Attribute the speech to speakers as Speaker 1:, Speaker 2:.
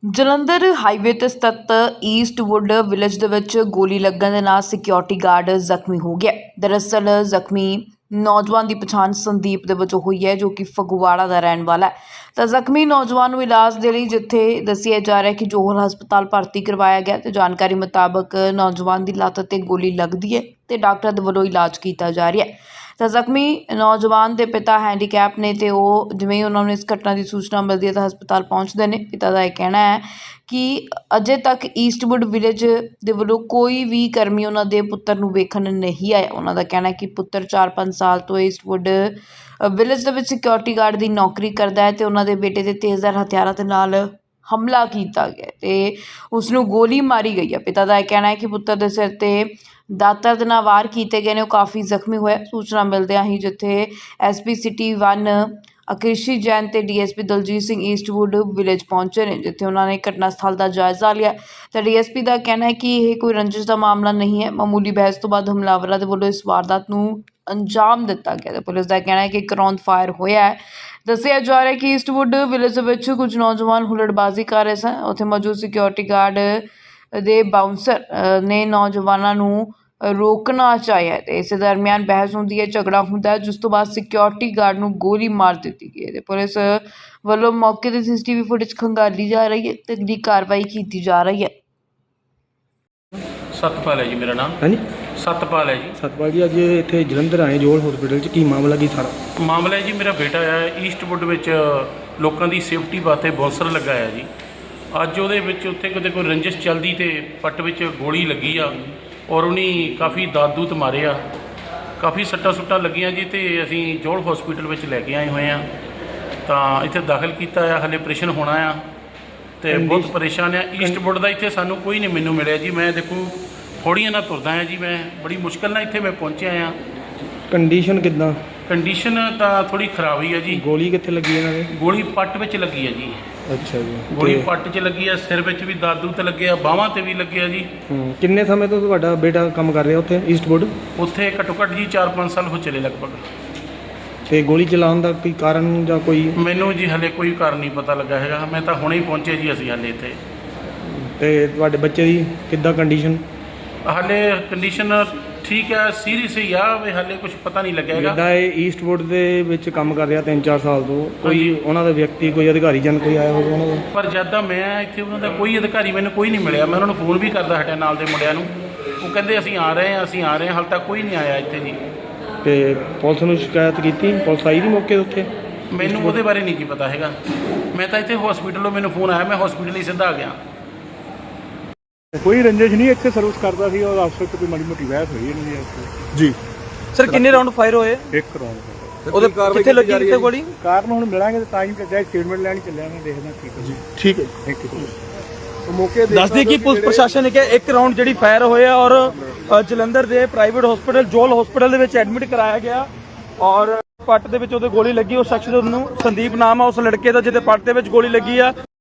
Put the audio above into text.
Speaker 1: Jalandhar highway ਤੇ ਸਥਿਤ Eastwood village ਦੇ ਵਿੱਚ ਗੋਲੀ ਲੱਗਣ ਦੇ ਨਾਲ ਸਿਕਿਉਰਿਟੀ ਗਾਰਡ ਜ਼ਖਮੀ ਹੋ ਗਿਆ। ਦਰਅਸਲ ਜ਼ਖਮੀ ਨੌਜਵਾਨ ਦੀ ਪਛਾਣ ਸੰਦੀਪ ਦੇ ਵਜੋਂ ਹੋਈ ਹੈ, ਜੋ ਕਿ ਫਗਵਾੜਾ ਦਾ ਰਹਿਣ ਵਾਲਾ ਹੈ। ਤਾਂ ਜ਼ਖਮੀ ਨੌਜਵਾਨ ਨੂੰ ਇਲਾਜ ਦੇ ਲਈ ਜਿੱਥੇ ਦੱਸਿਆ ਜਾ ਰਿਹਾ ਕਿ ਜੋਹਲ ਹਸਪਤਾਲ ਭਰਤੀ ਕਰਵਾਇਆ ਗਿਆ ਤੇ ਜਾਣਕਾਰੀ ਮੁਤਾਬਕ ਨੌਜਵਾਨ ਦੀ ਲੱਤ ਤੇ ਗੋਲੀ ਲੱਗਦੀ ਹੈ ਤੇ ਡਾਕਟਰ ਦੇ ਵੱਲੋਂ ਇਲਾਜ ਕੀਤਾ ਜਾ ਰਿਹਾ ਹੈ। ਤਾਂ ਜ਼ਖਮੀ ਨੌਜਵਾਨ ਦੇ ਪਿਤਾ ਹੈਂਡੀਕੈਪ ਨੇ ਤੇ ਉਹ ਜਿਵੇਂ ਹੀ ਉਹਨਾਂ ਨੂੰ ਇਸ ਘਟਨਾ ਦੀ ਸੂਚਨਾ ਮਿਲਦੀ ਹੈ ਤਾਂ ਹਸਪਤਾਲ ਪਹੁੰਚਦੇ ਨੇ। ਪਿਤਾ ਦਾ ਇਹ ਕਹਿਣਾ ਹੈ ਕਿ ਅਜੇ ਤੱਕ ਈਸਟਵੁੱਡ ਵਿਲੇਜ ਦੇ ਵੱਲੋਂ ਕੋਈ ਵੀ ਕਰਮੀ ਉਹਨਾਂ ਦੇ ਪੁੱਤਰ ਨੂੰ ਵੇਖਣ ਨਹੀਂ ਆਇਆ। ਉਹਨਾਂ ਦਾ ਕਹਿਣਾ ਹੈ ਕਿ ਪੁੱਤਰ 4-5 ਸਾਲ ਤੋਂ ਈਸਟਵੁੱਡ ਵਿਲੇਜ ਦੇ ਵਿੱਚ ਸਿਕਿਉਰਿਟੀ ਗਾਰਡ ਦੀ ਨੌਕਰੀ ਕਰਦਾ ਹੈ ਤੇ ਉਹਨਾਂ ਦੇ ਬੇਟੇ ਦੇ ਤੇਜ਼ਧਾਰ ਹਥਿਆਰਾਂ ਦੇ ਨਾਲ ਹਮਲਾ ਕੀਤਾ ਗਿਆ ਤੇ ਉਸ ਨੂੰ ਗੋਲੀ ਮਾਰੀ ਗਈ ਹੈ। ਪਿਤਾ ਦਾ ਇਹ ਕਹਿਣਾ ਹੈ ਕਿ ਪੁੱਤਰ ਦੇ ਸਿਰ ਤੇ ਦਾਤਰ ਦੇ ਨਾਲ ਵਾਰ ਕੀਤੇ ਗਏ ਨੇ, ਉਹ ਕਾਫੀ ਜ਼ਖਮੀ ਹੋਇਆ। ਸੂਚਨਾ ਮਿਲਦਿਆਂ ਹੀ ਜਿੱਥੇ ਐਸਪੀ ਸਿਟੀ 1 ਅਕ੍ਰਿਸ਼ੀ ਜੈਨ ਤੇ DSP Daljit Singh Eastwood village ਪਹੁੰਚੇ ਨੇ, ਜਿੱਥੇ ਉਹਨਾਂ ਨੇ ਘਟਨਾ ਸਥਲ ਦਾ ਜਾਇਜ਼ਾ ਲਿਆ। ਤਾਂ ਡੀਐਸਪੀ ਦਾ ਕਹਿਣਾ ਹੈ ਕਿ ਇਹ ਕੋਈ ਰੰਜਿਸ਼ ਦਾ ਮਾਮਲਾ ਨਹੀਂ ਹੈ। ਮਾਮੂਲੀ ਬਹਿਸ ਤੋਂ ਬਾਅਦ ਹਮਲਾਵਰਾਂ ਦੇ ਵੱਲੋਂ ਇਸ ਵਾਰਦਾਤ ਨੂੰ ਅੰਜਾਮ ਦਿੱਤਾ ਗਿਆ। ਤੇ ਪੁਲਿਸ ਦਾ ਕਹਿਣਾ ਹੈ ਕਿ ਇੱਕ ਰੌਂਦ ਫਾਇਰ ਹੋਇਆ ਹੈ। ਦੱਸਿਆ ਜਾ ਰਿਹਾ ਕਿ ਈਸਟਵੁੱਡ ਵਿਲੇਜ ਦੇ ਵਿੱਚ ਕੁਝ ਨੌਜਵਾਨ ਹੁੱਲੜਬਾਜ਼ੀ ਕਰ ਰਹੇ ਸਨ। ਉੱਥੇ ਮੌਜੂਦ ਸਿਕਿਉਰਿਟੀ ਗਾਰਡ ਦੇ ਬਾਉਂਸਰ ਨੇ ਨੌਜਵਾਨਾਂ ਨੂੰ ਰੋਕਣਾ ਚਾਹਿਆ ਤੇ ਇਸੇ ਦਰਮਿਆਨ ਬਹਿਸ ਹੁੰਦੀ ਹੈ, ਝਗੜਾ ਹੁੰਦਾ ਹੈ, ਜਿਸ ਤੋਂ ਬਾਅਦ ਸਿਕਿਉਰਿਟੀ ਗਾਰਡ ਨੂੰ ਗੋਲੀ ਮਾਰ ਦਿੱਤੀ ਗਈ ਹੈ ਤੇ ਪੁਲਿਸ ਵੱਲੋਂ ਮੌਕੇ ਤੇ ਸੀਸੀਟੀਵੀ ਫੁਟੇਜ ਖੰਗਾਲੀ ਜਾ ਰਹੀ ਹੈ ਤੇ ਅਗਲੀ ਕਾਰਵਾਈ ਕੀਤੀ ਜਾ ਰਹੀ ਹੈ।
Speaker 2: ਸਤਪਾਲ ਹੈ ਜੀ ਮੇਰਾ ਨਾਮ।
Speaker 3: ਹਾਂਜੀ
Speaker 2: ਸਤਪਾਲ ਹੈ ਜੀ।
Speaker 3: ਸਤਪਾਲ ਜੀ, ਅੱਜ ਇੱਥੇ ਜਲੰਧਰ ਆਏ ਜੋਲ ਹਸਪੀਟਲ 'ਚ, ਕੀ ਮਾਮਲਾ ਕੀ ਸਾਰਾ?
Speaker 2: ਮਾਮਲਾ ਹੈ ਜੀ, ਮੇਰਾ ਬੇਟਾ ਹੈ ਈਸਟਵੁੱਡ ਵਿੱਚ ਲੋਕਾਂ ਦੀ ਸੇਫਟੀ ਵਾਸਤੇ ਬੌਂਸਰ ਲਗਾਇਆ ਜੀ। ਅੱਜ ਉਹਦੇ ਵਿੱਚ ਉੱਥੇ ਕਿਤੇ ਕੋਈ ਰੰਜਿਸ਼ ਚੱਲਦੀ ਤੇ ਪੱਟ ਵਿੱਚ ਗੋਲੀ ਲੱਗੀ ਆ ਔਰ ਉਹਨੇ ਕਾਫੀ ਦਾਦੂਤ ਮਾਰੇ ਆ, ਕਾਫੀ ਸੱਟਾਂ ਸੁੱਟਾਂ ਲੱਗੀਆਂ ਜੀ। ਤੇ ਅਸੀਂ ਜੋਲ ਹਸਪੀਟਲ ਵਿੱਚ ਲੈ ਕੇ ਆਏ ਹੋਏ ਆ, ਤਾਂ ਇੱਥੇ ਦਾਖਲ ਕੀਤਾ ਆ। ਹਾਲੇ ਆਪਰੇਸ਼ਨ ਹੋਣਾ ਆ ਤੇ ਬਹੁਤ ਪਰੇਸ਼ਾਨ ਆ। ਈਸਟਵੁੱਡ ਦਾ ਇੱਥੇ ਸਾਨੂੰ ਕੋਈ ਨਹੀਂ ਮੈਨੂੰ ਮਿਲਿਆ ਜੀ। ਮੈਂ ਦੇਖੋ ਥੋੜ੍ਹੀਆਂ ਨਾਲ ਤੁਰਦਾ ਆ ਜੀ, ਮੈਂ ਬੜੀ ਮੁਸ਼ਕਿਲ ਨਾਲ ਇੱਥੇ ਮੈਂ ਪਹੁੰਚਿਆ ਆ।
Speaker 3: ਕੰਡੀਸ਼ਨ ਕਿੱਦਾਂ?
Speaker 2: ਕੰਡੀਸ਼ਨ ਤਾਂ ਥੋੜ੍ਹੀ ਖਰਾਬ ਹੀ ਆ ਜੀ।
Speaker 3: ਗੋਲੀ ਕਿੱਥੇ ਲੱਗੀ ਇਹਨਾਂ ਦੇ?
Speaker 2: ਗੋਲੀ ਪੱਟ ਵਿੱਚ ਲੱਗੀ ਆ ਜੀ।
Speaker 3: ਅੱਛਾ ਜੀ।
Speaker 2: ਗੋਲੀ ਪੱਟ 'ਚ ਲੱਗੀ ਆ, ਸਿਰ ਵਿੱਚ ਵੀ ਦਾਦੂ ਤੇ ਲੱਗਿਆ, ਬਾਹਾਂ ਤੇ ਵੀ ਲੱਗਿਆ ਜੀ।
Speaker 3: ਕਿੰਨੇ ਸਮੇਂ ਤੋਂ ਤੁਹਾਡਾ ਬੇਟਾ ਕੰਮ ਕਰ ਰਿਹਾ ਉੱਥੇ ਈਸਟਵੁੱਡ?
Speaker 2: ਉੱਥੇ ਘੱਟੋ ਘੱਟ ਜੀ 4-5 ਸਾਲ ਹੋ ਚਲੇ ਲਗਭਗ।
Speaker 3: ਤੇ ਗੋਲੀ ਚਲਾਉਣ ਦਾ ਕੋਈ ਕਾਰਨ ਜਾਂ ਕੋਈ?
Speaker 2: ਮੈਨੂੰ ਜੀ ਹਲੇ ਕੋਈ ਕਾਰਨ ਨਹੀਂ ਪਤਾ ਲੱਗਾ ਹੈਗਾ। ਮੈਂ ਤਾਂ ਹੁਣੇ ਹੀ ਪਹੁੰਚੇ ਜੀ ਅਸੀਂ ਹਲੇ ਇੱਥੇ।
Speaker 3: ਤੇ ਤੁਹਾਡੇ ਬੱਚੇ ਦੀ ਕਿੱਦਾਂ ਕੰਡੀਸ਼ਨ?
Speaker 2: ਹਾਲੇ ਕੰਡੀਸ਼ਨ ਠੀਕ ਹੈ, ਸੀਰੀਅਸ ਹੀ ਆ ਵੀ ਹਾਲੇ ਕੁਝ ਪਤਾ ਨਹੀਂ ਲੱਗਿਆ ਹੈਗਾ।
Speaker 3: ਜਿੱਦਾਂ ਇਹ ਈਸਟਵੁੱਡ ਦੇ ਵਿੱਚ ਕੰਮ ਕਰ ਰਿਹਾ 3-4 ਸਾਲ ਤੋਂ, ਕੋਈ ਉਹਨਾਂ ਦਾ ਵਿਅਕਤੀ, ਕੋਈ ਅਧਿਕਾਰੀ ਜਨ ਕੋਈ ਆਇਆ ਹੋਵੇ ਉਹਨਾਂ ਦਾ?
Speaker 2: ਪਰ ਜਦ ਮੈਂ ਇੱਥੇ ਉਹਨਾਂ ਦਾ ਕੋਈ ਅਧਿਕਾਰੀ ਮੈਨੂੰ ਕੋਈ ਨਹੀਂ ਮਿਲਿਆ। ਮੈਂ ਉਹਨਾਂ ਨੂੰ ਫੋਨ ਵੀ ਕਰਦਾ ਹਟਿਆ ਨਾਲ ਦੇ ਮੁੰਡਿਆਂ ਨੂੰ, ਉਹ ਕਹਿੰਦੇ ਅਸੀਂ ਆ ਰਹੇ ਹਾਂ, ਅਸੀਂ ਆ ਰਹੇ ਹਾਂ। ਹਾਲੇ ਤੱਕ ਕੋਈ ਨਹੀਂ ਆਇਆ ਇੱਥੇ ਜੀ।
Speaker 3: ਤੇ ਪੁਲਿਸ ਨੂੰ ਸ਼ਿਕਾਇਤ ਕੀਤੀ? ਪੁਲਿਸ ਆਈ ਦੀ ਮੌਕੇ ਉੱਤੇ?
Speaker 2: ਮੈਨੂੰ ਉਹਦੇ ਬਾਰੇ ਨਹੀਂ ਕੀ ਪਤਾ ਹੈਗਾ। ਮੈਂ ਤਾਂ ਇੱਥੇ ਹਸਪੀਟਲੋਂ ਮੈਨੂੰ ਫੋਨ ਆਇਆ, ਮੈਂ ਹਸਪੀਟਲ ਹੀ ਸਿੱਧਾ ਆ ਗਿਆ।
Speaker 4: ਕੋਈ ਰੰਜਿਸ਼ ਨਹੀਂ, ਇੱਥੇ ਸਰਵਿਸ ਕਰਦਾ ਸੀ ਔਰ ਅਫਸਰ ਤੋਂ ਕੋਈ ਮਾੜੀ ਮੋਟੀ ਬਹਿਸ ਹੋਈ ਨਹੀਂ ਹੈ ਜੀ।
Speaker 5: ਸਰ ਕਿੰਨੇ ਰਾਉਂਡ ਫਾਇਰ ਹੋਏ?
Speaker 4: ਇੱਕ ਰੌਂਡ।
Speaker 5: ਉਹਦੇ ਕਿੱਥੇ ਲੱਗੀ ਕਿੱਥੇ ਗੋਲੀ?
Speaker 4: ਕਾਰਨ ਹੁਣ ਮਿਲਾਂਗੇ ਤਾਂ ਤਾਂ ਹੀ ਕੱਢਿਆ, ਸਟੇਟਮੈਂਟ ਲੈਣ ਚੱਲਿਆ ਮੈਂ, ਦੇਖਦਾ ਠੀਕ ਹੈ ਜੀ।
Speaker 3: ਠੀਕ ਹੈ,
Speaker 4: ਥੈਂਕ ਯੂ। ਉਹ ਮੌਕੇ
Speaker 5: ਦੱਸਦੇ ਕਿ ਪੁਲਿਸ ਪ੍ਰਸ਼ਾਸਨ ਨੇ ਕਿਹਾ ਇੱਕ ਰਾਉਂਡ ਜਿਹੜੀ ਫਾਇਰ ਹੋਇਆ ਔਰ ਜਲੰਧਰ ਦੇ ਪ੍ਰਾਈਵੇਟ ਹਸਪੀਟਲ ਜੋਲ ਹਸਪੀਟਲ ਦੇ ਵਿੱਚ ਐਡਮਿਟ ਕਰਾਇਆ ਗਿਆ ਔਰ ਪੱਟ ਦੇ ਵਿੱਚ ਉਹਦੇ ਗੋਲੀ ਲੱਗੀ। ਉਸ ਸ਼ਖਸ ਨੂੰ ਸੰਦੀਪ ਨਾਮ ਆ ਉਸ ਲੜਕੇ ਦਾ ਜਿਹਦੇ ਪੱਟ ਦੇ ਵਿੱਚ ਗੋਲੀ ਲੱਗੀ ਆ।